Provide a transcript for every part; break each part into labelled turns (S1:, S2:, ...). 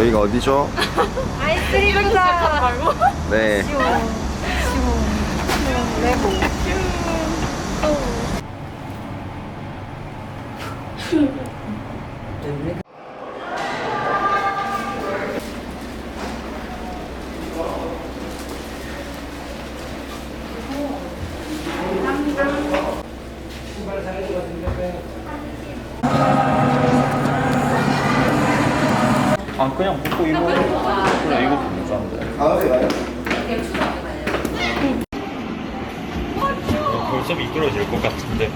S1: 여기가 어디죠?
S2: 아이스크림 공장 말고?
S1: 네.
S2: 레고.
S3: 아 그냥 먹고 이거 그래 이거 괜찮은데. 벌써 미끄러질 것 같은데.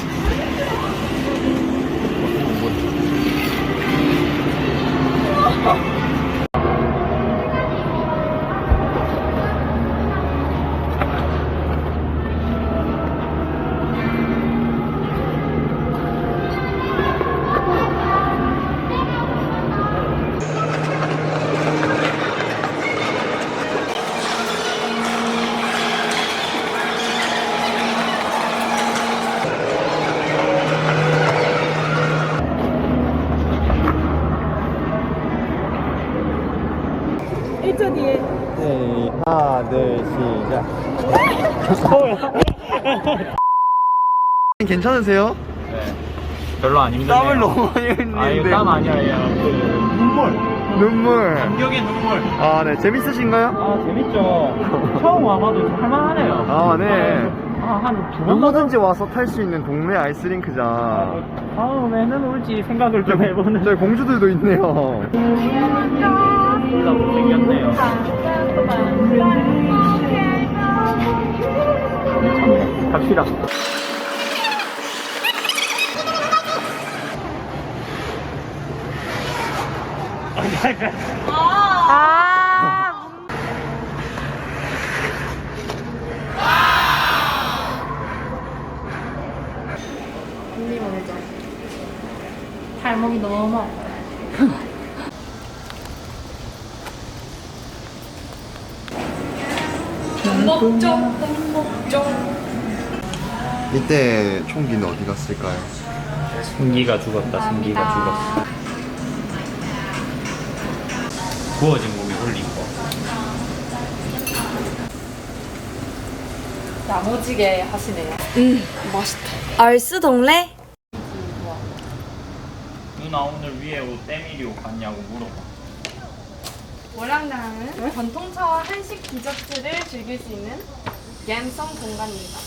S1: 네, 하나, 둘, 시작. 괜찮으세요?
S3: 네. 별로 안 힘드네요.
S1: 땀을 너무 많이 흘리는데.
S3: 아 이거 땀 아니야 그
S1: 눈물.
S3: 감격의 눈물.
S1: 아, 네. 재밌으신가요?
S3: 아 재밌죠. 처음 와봐도 할만하네요.
S1: 아, 네.
S3: 한두 번.
S1: 누구든지 와서 탈 수 있는 동네 아이스링크장.
S3: 다음에는 올지 생각을 좀 해보는.
S1: 저희 공주들도 있네요.
S3: 둘다 못생겼네요. 갑시다.
S2: 언니 먼저. 발목이 너무 아파요.
S1: 이때 총기는 어디 갔을까요?
S3: 승기가 죽었다. 승기가 죽었어. 구워진 고기 올린 거.
S2: 야무지게 하시네요. 맛있다.
S4: 얼스 동래?
S3: 누나 오늘 위에 옷 때밀이 옷 같냐고 물어봐.
S2: 월양당은 전통차와 한식 디저트를 즐길 수 있는 갬성 공간입니다.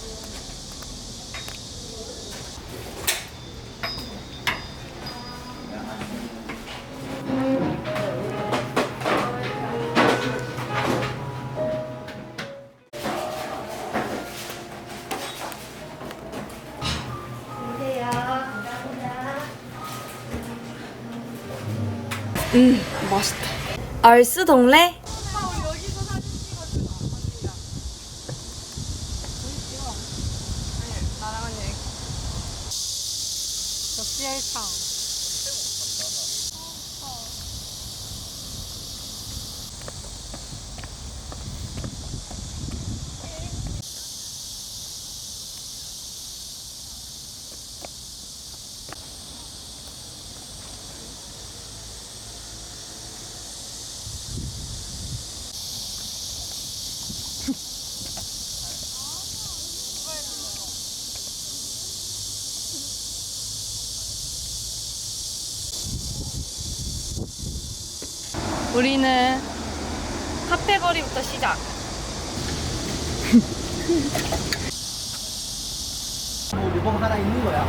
S4: 맛있다. 얼스 동래?
S2: 역시일상. 우리는 카페거리부터 시작.
S1: 리본 하나 있는 거야.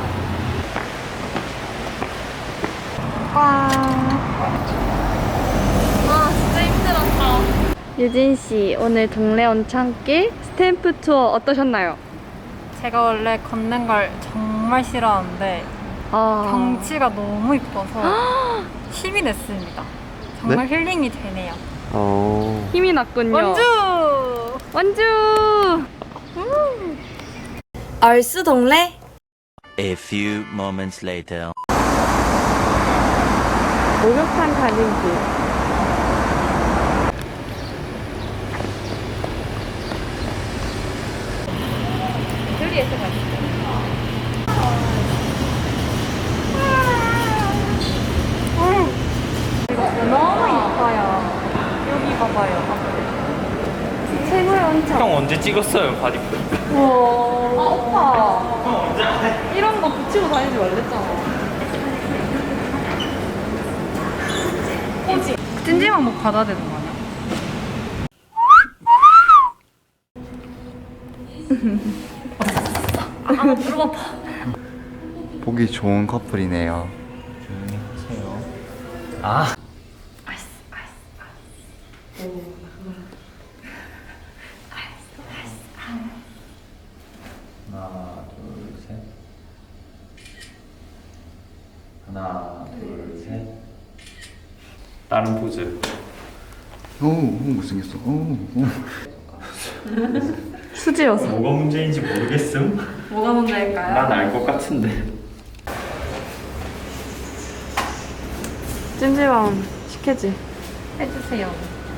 S2: 아 진짜 힘들었다.
S4: 유진 씨, 오늘 동래 온창길 스탬프 투어 어떠셨나요?
S5: 제가 원래 걷는 걸 정말 싫어하는데 경치가 너무 이뻐서 힘이 냈습니다. 정말 힐링이 되네요.
S4: 힘이 났군요.
S5: 원주!
S4: 원주! 얼스 동래?
S6: A few moments later.
S4: 목욕탕 가는 길.
S2: 들리에서 가시죠.
S4: 너무
S3: 언제 찍었어요 바디플?
S4: 오빠. 이런 거 붙이고 다니지 말랬잖아.
S5: 찜질방 뭐 받아야 되는 거 아니야?
S1: 보기 좋은 커플이네요.
S3: 조용히 하세요. 아. 하나, 둘, 셋. 하나, 둘, 셋. 다른 포즈.
S1: 오, 못생겼어. 오.
S4: 수지였어.
S3: 뭐가 문제인지 모르겠음.
S4: 뭐가 문제일까요?
S3: 난 알 것 같은데.
S4: 찜질방 시켜지.
S5: 해주세요.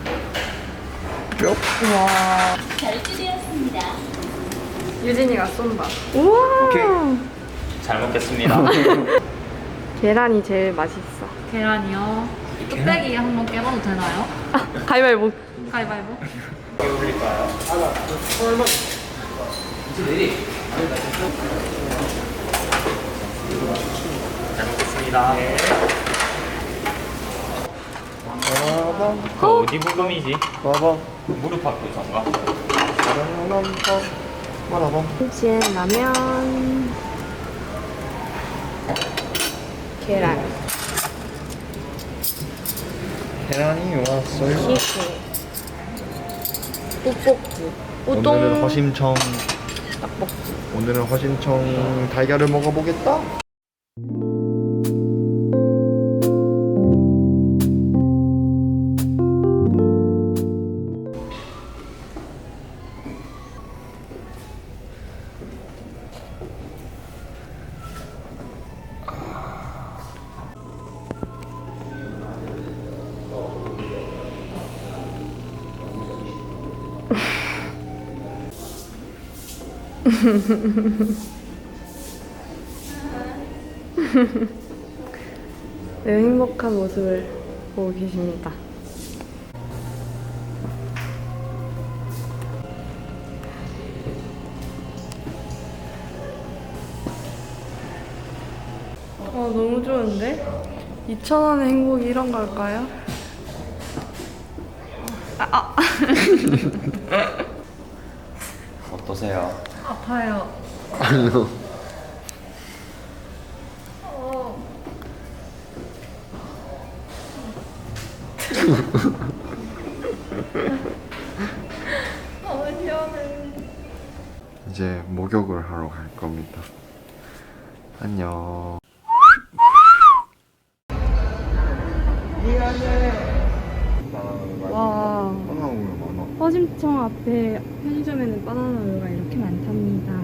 S4: 유진이가 쏜다. 우와.
S3: 잘 먹겠습니다.
S4: 계란이 제일 맛있어.
S5: 계란이요. 뚝배기 한번 깨봐도 되나요?
S4: 가위바위보.
S5: 가위바위보.
S3: 잘 먹겠습니다.
S1: 빠밤,
S3: 그 어디 부금이지?
S1: 빠밤,
S3: 무릎 아프던가?
S1: 빠밤, 빠밤.
S4: 김치에 라면. 계란.
S1: 계란이 왔어요.
S4: 키스. 떡볶이.
S1: 오늘은
S4: 우동.
S1: 허심청.
S4: 떡볶이.
S1: 오늘은 허심청 달걀을 먹어보겠다.
S4: 매우 행복한 모습을 보고 계십니다. 너무 좋은데? 2,000원의 행복이 이런 걸까요?
S3: 어떠세요?
S5: 아파요.
S1: 아니요. 이제 목욕을 하러 갈 겁니다. 안녕.
S4: 와.
S1: 바나나 우유 많아.
S4: 허심청 앞에 편의점에는 바나나 우유가 이렇게 많답니다.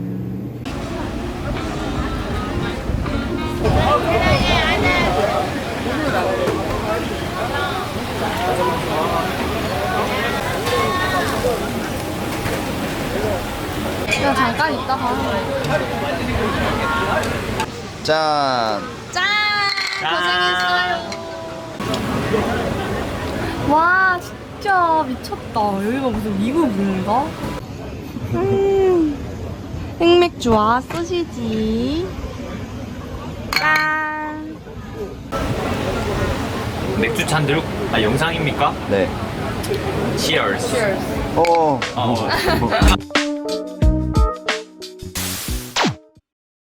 S4: 야, 잠깐 있다가.
S1: 짠.
S4: 와, 진짜 미쳤다. 여기가 무슨 미국인가? 흑맥주와 소시지. 짠.
S3: 맥주 잔 들고 영상입니까?
S1: 네.
S3: Cheers.
S1: 어.
S3: 어.